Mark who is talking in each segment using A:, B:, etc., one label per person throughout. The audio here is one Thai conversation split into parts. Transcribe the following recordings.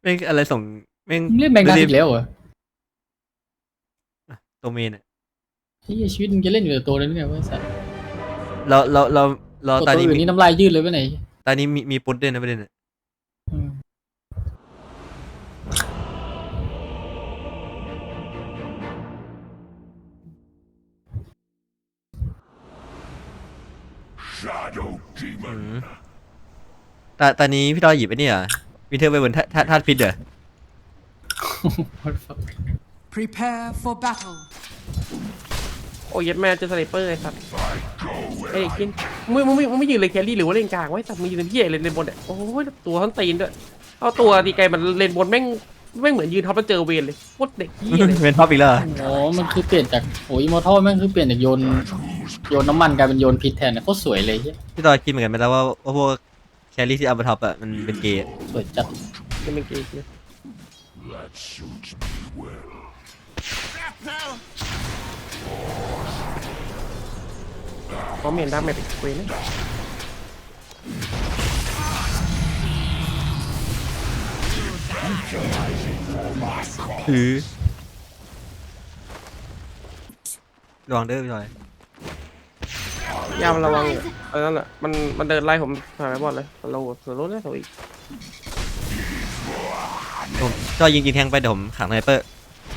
A: ม่งอะไรส่งแม่ง
B: เล่นแมงดาอีกแล้วเหรอ
A: ตัวเมนอ่ะ
B: ที่ชีวิตมึงจะเล่นอยู่แต่ตัวนั้นเนี่ยว่าสัตว์
A: เรา
B: ตัว
A: ตอนนี้
B: อื่นนี่น้ำลายยืดเลยไปไหน
A: ตอนนี้มีปุ๊ดด้วยนะประเด็นอ่ะ
B: อืม
A: อืมตอนนี้พี่ดอยหยิบไอ้นี่เหรอวินเทอร์ไปบนธาตุพิษเหรอ
C: Prepare for battle.
D: โอ้ยแม่เจอสไนเปอร์ไอ้สัตว์ไอ้กินมึงไม่ยืนเลยแครี่หรือว่าเลนกลางไว้สัตว์มึงยืนเป็นพี่ใหญ่เลนบนเนี่ยโอ้ยตัวทั้งตีนด้วยเอาตัวตีไกลมันเลนบนแม่งเหมือนยืนท็อปแล้วเจอเวนเลยโคตรเด็กพี่เลย
A: เป็นท็อปอีกแล้วเหรอ
B: อ๋อมันคือเปลี่ยนจากโอ้ยอิมมอร์ทัลแม่งคือเปลี่ยนจากโยนน้ำมันกลายเป็นโยนพิษแทนเนี่ยโคตรสวยเลยเหี้ย
A: พี่ดอยคิดเหมือนกันไหมแล้วว่าพวกแครี่ที่เอามาท็อปอ่ะมันเป็นเกย์
B: สวยจัด
D: จะเป็นเกย์เลยเพราะเมียนดาแมเป็นเวนนะ
A: ถือระวังเด้อพี่ดอย
D: ยามระวังอยู่นั่นแหละมันเดินไล่ผมหายไปหมดเลยเราสรุปได้ตัวอีก
A: ผมก็ยิงแทงไปเดี๋ยวผมขังไนเปอร์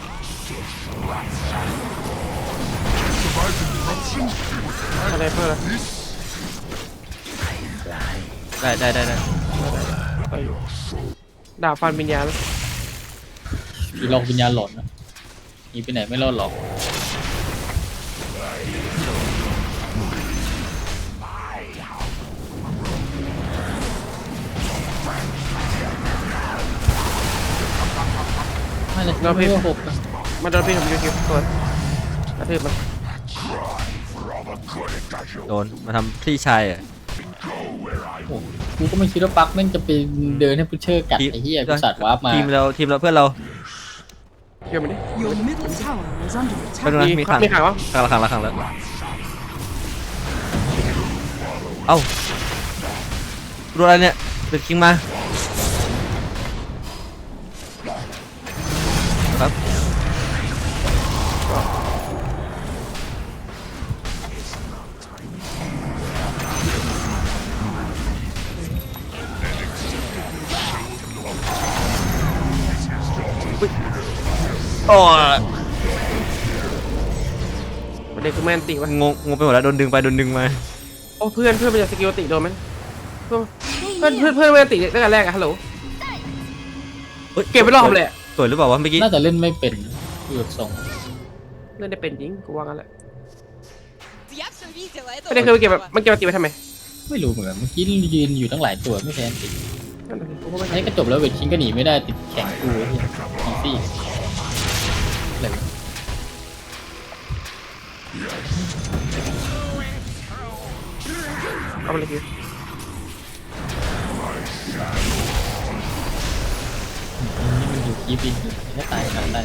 D: สไนเปอร์
A: ได้
D: ไปดาบฟันวิญญาณ
B: ผีหลอกวิญญาณหลอนนะหนีไปไหนไม่รอดหรอกไม่เลยไม่ว่าหกนะ
D: มันโดนพี่ผมยูคิวตัวกระทืบมัน
A: โดนมาทำพี่ชายอ่ะ
B: โอ้กูก็ไม่คิดว่าปักแม่งจะไปเดินให้พุชเชอร์กัดไอ้เหี้ยกูสัตว์วาร์ปมา
A: ทีมเราเพื่อนเรา
D: เกี่ยวมันดิ
C: Your middle tower is under
A: ไปดู
C: attack.
A: นะมีขัง
D: มีขังวะ
A: ขังแล้วเอ้าดูอะไรเนี่ยเดือดคิงมาครับโอ้ย
D: ประเด็นคือแมนติวะ
A: งงไปหมดแล้วโดนดึงมา
D: โอ้เพื่อนมันจะสกิลติโดนไหมเพื่อนแมนติตั้งแต่แรกอะฮัลโหล
A: ฮ้ย
D: เก็บไปรอบเลยอะ
A: สวยหรือเปล่าวะเมื่อกี้
B: น่าจะเล่นไม่เป็นคือแบบทรง
D: เล่นได้เป็นจริงกูว่างั้นแหละ
E: Я все видела, это
D: ประเด็นคือมันเก็บแบบมันเก็บติไว้ทำไม
B: ไม่รู้เหมือนกันเมื่อกี้ยืนอยู่ตั้งหลายตัวไม่แพ้ติด
D: นั่นแหละกูก็ไม่
B: ไอ้ก็จบแล้วเวทคิงก็หนีไม่ได้ติดแข่งกูไอ้เหี้ยอีซี่อะไรวะ
D: เอาไปเลยคิว
B: นี่มันอยู่กีบินอยู่ถ้าตายขนาดได้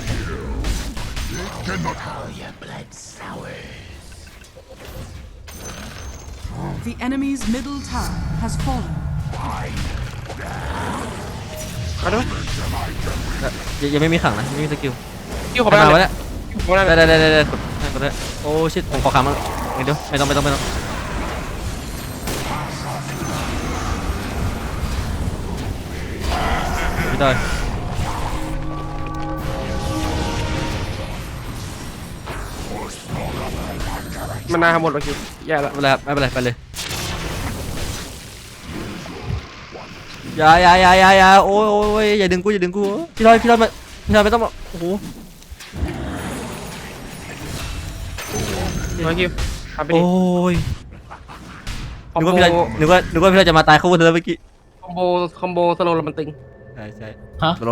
C: The enemy's middle tower has fallen.
D: เอาได้ไหม
A: ยังไม่มีขังนะไม่มีสกิล
D: คิวขอ
A: ไป
D: ไป
A: มา
D: เล
A: วะ
D: ย
A: เนี่ย
D: ขอไปเลย
A: ได้กดได้โอ้ชิตผมขอขังมันเดี๋ยวไม่ต้องพี่ดอย
D: มันนาหมดแล้วคิวแย่ละ
A: ไม่เป็นไรไปเลยอย่าโอ้ยอย่าดึงกูพี่ดอยไม่ต้องมาโอ้โห
D: มาคิวทำไปดิ
A: โอ้ย
D: คอม
A: นึก
D: โบ
A: ว่าพี่ดอยจะมาตายเข้าบนเธอเมื่อกี้
D: คอมโบสโลว์มันตึง
A: ใช่
B: ฮะ
A: โล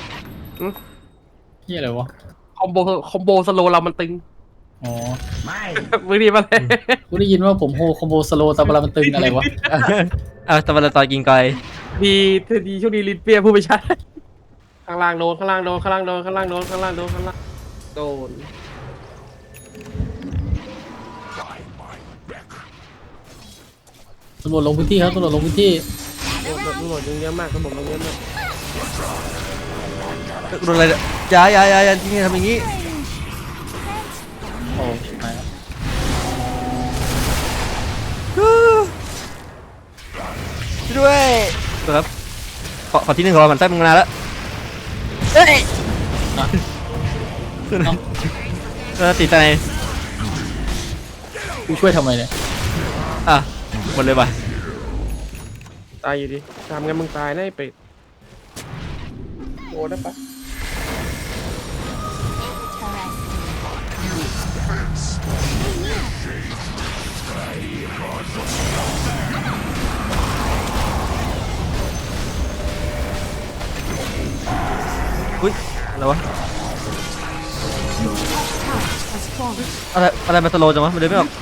B: เหี้ยอะไรวะ
D: คอมโบสโลว์เรามันตึง
B: อ๋อ
D: มือดีมาเลย
B: กูได้ยินว่าผมโฮคอมโบสโลตาบารามันตึงอะไรวะ
A: ตะวันตอยกินไกล
D: ดีช่วงนี้ลิ้นเปียพูดไม่ชัดข้างล่างโดนโดน
B: ตำรวจลงพื้นที่ครับตำรวจลงพื้นที่
D: ตำรวจเยอะมากตำรวจเยอะมาก
A: โดนอะไรเนี่ยอย่าที่นี่ทำอย่างนี้
B: โอ้มาแล้ว
A: ช่วยด้วยครับขอที่หนึ่งรอมันแป๊บนึงนานแล้วเอ้ย
B: อ่ะ
A: ติดใจ
B: กูช่วยทำไมเนี่ย
A: อ่ะหมดเลยว่ะ
D: ตายอยู่ดิทำงั้นมึงตายแน่ไอ้เป็ดโอ้ได้ปะ
A: อุ้ยอะไรวะ
C: Has fallen.
A: อะไรมาสโลว์จังวะมันเดินไม่ออก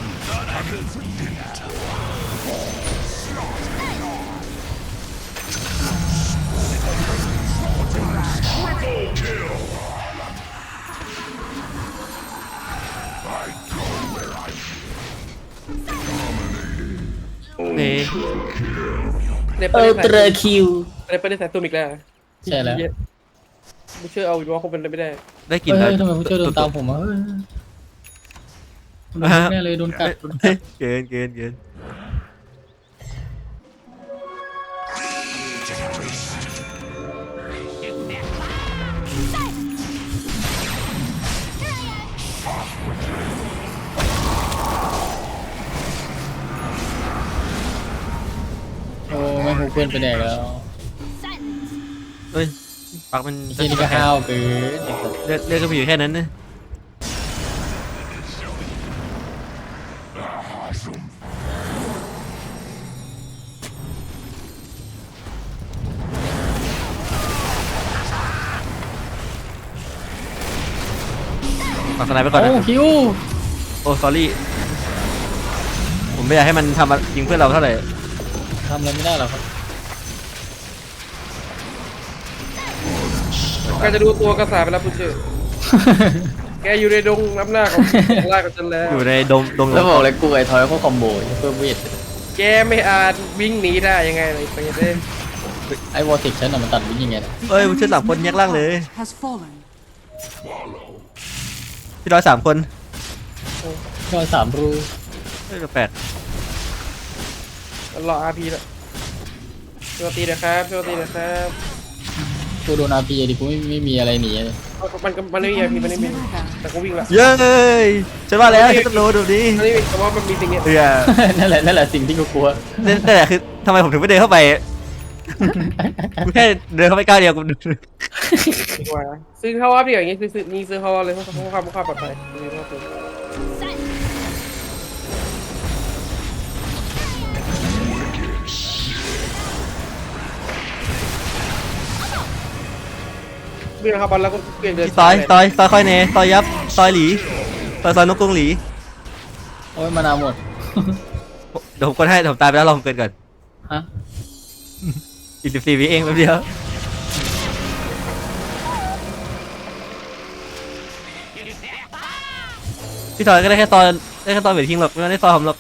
A: โอเค
D: ใน
B: เอ
D: ประ
B: อ
D: เทศ
B: เตรคิว
D: ในประเทศสายตุ้มอีกแล้ว
B: ใช่แล้ว
D: ไม่เชื่อเอาอีกว่าคงเป็นไปไม่ได้
A: ได้กลิน
B: เฮ้
A: แล้ว
B: ยทำไมผู้ช่วยโดนตามผมอ่ะเฮ้ยโดนแน่เลยโดนกัดโดนกัด
A: เกิน
B: โอ้แม่งหูเพื่อนไปแดกแล้ว
A: เฮ้ยปากมัน
B: ไอ้เหี้ยนี่ก็ห้าวเกิน
A: เลือดก็มีอยู่แค่นั้นนะฝากสไนไปก่อนนะ
B: โอ้คิว
A: โอ้สอรี่ผมไม่อยากให้มันทำยิงเพื่อนเราเท่าไหร่
B: ทำอะไรไม่ได้หรอกครับ
D: แกจะดูตัวกระสาไปแล้วผู้เชื่อแกอยู่ในดงน้ำหน้าของล่ากับฉันแล้ว
A: อยู่ในดง
B: แล้วบอกเลยกูไอ้ทอยเขาคอมโบเพิ่มเวท
D: แกไม่อาจวิ่งหนีได้ยังไงเลยไปเด้
B: ไอ้วอร์ติกฉันน่ะมันตัดวิ่งยังไงนะ
A: เอ้ยผู้ช่วย3 คนแยกล่างเลย
C: Has fallen.
A: พี่ร้อย3 คน
B: ก็3 รู
A: เอ้ยแปลก
D: รออาร์พีแล้วช่วยตีนะครับช่วยตีนะครับ
B: กูโดนอาร์พีดิกูไม่มีอะไรหนีเลย
D: มันไม่มีอาร์พีมันไม่
C: Enemy's
D: มี
C: middle tower
D: แต่ก็วิ่งละ
A: เย้ยฉันว่าแล้วฉันต้องโดนแบบนี้
D: มันไม่มีแต่ว่ามันมีสิ่งเนี้ย
A: เออ
B: นั่นแหละสิ่งที่กูกลัว
A: นั่นแหละคือทำไมผมถึงไม่เดินเข้าไปกูแค่เดินเข้าไปก้าวเดียวกู
D: ดีกว่าซื้อเข้าอัพดีกว่าอย่างงี้ซื้อเข้าอัพเลยเพราะความปลอดภัยซื้อเข้าอัพวิ่งเข้าบอลแล้วก็เปลี่ยนเดิน
A: ซอยค่อยเนซอยยับซอยหลีซอยนกกรงหลี
B: โอ้ยมานาวหมด
A: เดี๋ยวผมกดให้ผมตายไปแล้วรอผมเกินก่อน
B: ฮะ
A: อีก14 วิเองแป๊บเดียวพี่ซอยก็ได้แค่ซอยเวททิ้งหรอกไม่ได้ซอยผมหรอก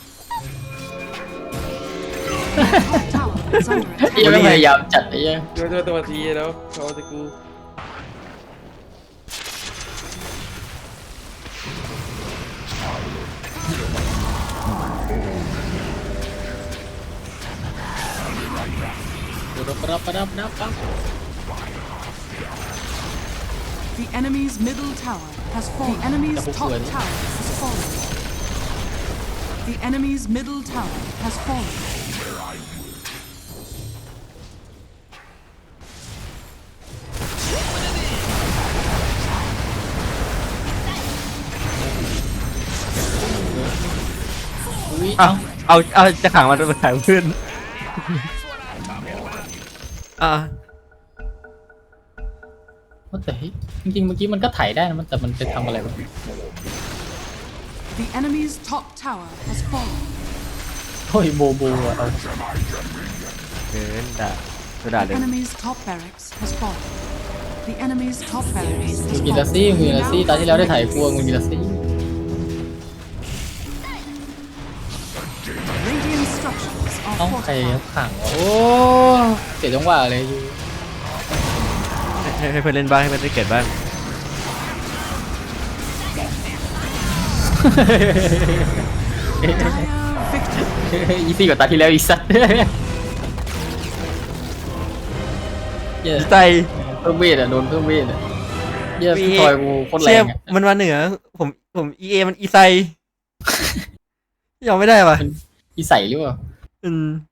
C: tower is under attack.
B: ยังไม่พยายามจัดไอ้เหี้ย
D: เดี๋ยวตัวทีแล้วเขาจะกู
B: ปั๊บ
C: The enemy's middle tower has fallen. The enemy's
B: Double
C: top
B: sword.
C: tower has fallen. The enemy's middle tower has fallen.
B: อุ้ย
A: เอาจะขังมันไปขายเพื่อนอ่า
B: ว่าแต่จริงๆเมื่อกี้มันก็ไถได้นะแต่มันไปทำอะไรวะ
C: The enemy's top tower has fallen.
B: โอ้ยโบอะเอา
A: เดินด่าด่า
C: The
A: เลย
C: enemy's top barracks has fallen. The enemy's top barracks
B: มึ
C: has
B: งกินลัส
C: fallen.
B: ซี่มึงกินลัสซี่ตอนที่แล้วได้ถ่ายกลัวมึงกินลัสซี่
C: Radiant structures
B: เอ้า
C: are
B: ใคร
C: fortified.
B: ขังวะโอ้เสียจังหวะเลยอยู่
A: นให้เพื่อนเล่นบ้างให้เพื่อนได้เกิดบ้าง
B: อีซี่กว่าตาที่แล้วอีสัตว์เย้
A: ใจ
B: เพิ่มเวทอ่ะโดนเพิ่มเวทอ่ะเย้พี่ทอยกูโคตรแร
A: เชี่ย
B: งอ่ะ
A: มันมาเหนือผมเอมันอีไซยอมไม่ได้ป่ะ
B: อีใส่หรือเปล่า
A: อืม